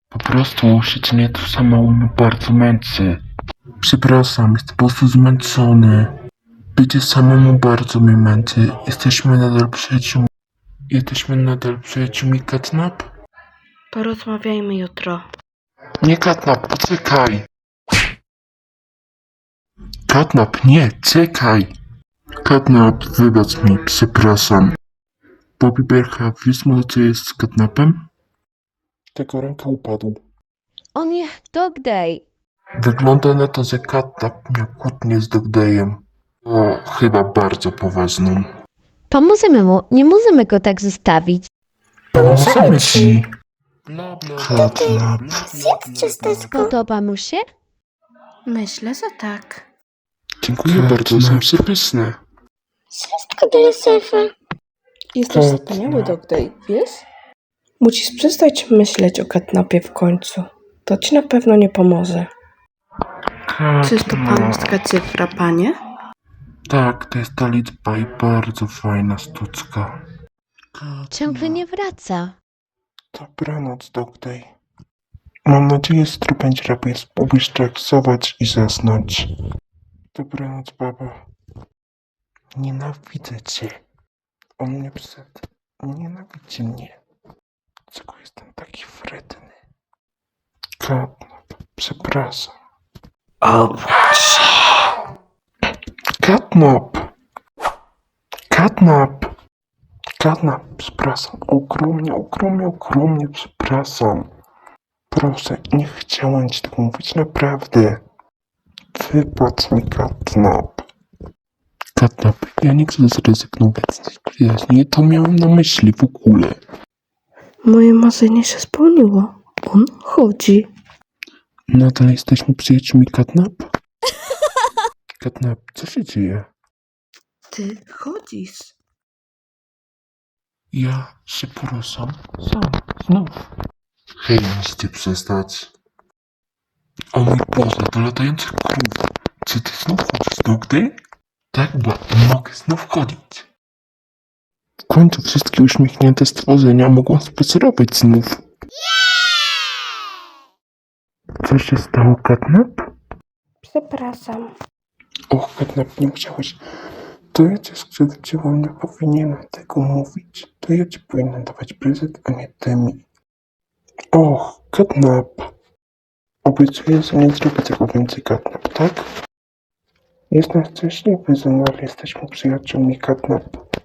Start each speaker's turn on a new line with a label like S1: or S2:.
S1: Po prostu siedzenie tu samemu mnie bardzo męczy. Przepraszam, jestem po prostu zmęczony. Bycie samemu bardzo mnie męczy. Jesteśmy nadal przyjaciółmi, Katnap?
S2: Porozmawiajmy jutro.
S1: Nie, Katnap, poczekaj! Katnap, nie, czekaj! Katnap, wybacz mi, przepraszam. Bobby Bercha, wiesz może co jest z Katnapem? Tego ręka upadł.
S3: O nie, Dog Day.
S1: Wygląda na to, że Katnap miał kłótnię z Dogdayem. O, chyba bardzo poważną.
S3: Pomożemy mu, nie możemy go tak zostawić.
S1: Pomożemy ci! Katnap.
S3: Podoba mu się?
S2: Myślę, że tak.
S1: Dziękuję bardzo, są przepyszne.
S4: Wszystko dla szefa.
S2: Jesteś
S1: Tak,
S2: wspaniały,
S1: no.
S2: Dog Day, wiesz? Musisz przestać myśleć o Katnapie w końcu. To ci na pewno nie pomoże. Czyż to pańska cyfra, panie?
S1: Tak, to jest ta liczba i bardzo fajna sztuczka.
S3: Ciągle nie wraca.
S1: Dobranoc, Dogday. Mam nadzieję, że jutro będzie lepiej spróbujesz relaksować i zasnąć. Dobranoc, baba. Nienawidzę cię. On mnie nienawidzi mnie. Dlaczego jestem taki wredny? Katnap, przepraszam. Katnap! Katnap! Katnap, przepraszam. Ogromnie, przepraszam. Proszę, nie chciałem ci tego mówić, naprawdę. Wybacz mi, Katnap. Katnap, ja nie chcę zrezygnować z tej przyjaźni. Nie to miałem na myśli w ogóle.
S2: Moje marzenie się spełniło. On chodzi.
S1: Nadal jesteśmy przyjaciółmi, Katnap? Katnap, co się dzieje?
S2: Ty chodzisz.
S1: Ja się poruszam sam, znów. Hej, musicie przestać. O mój Boże, to latający krów. Czy ty znów chodzisz, Dogday? Tak, bo nie mogę znów chodzić. W końcu wszystkie uśmiechnięte stworzenia mogą spacerować znów. Co się stało, Katnap?
S2: Przepraszam.
S1: Och, Katnap, nie musiałeś. To ja cię skrzywdziłam, nie powinienem tego mówić. To ja ci powinienem dawać prezent, a nie ty mi. Och, Katnap. Obiecuję, że nie zrobię tego więcej, Katnap, tak? Jestem szczęśliwy, że nadal jesteśmy przyjaciółmi, Katnap.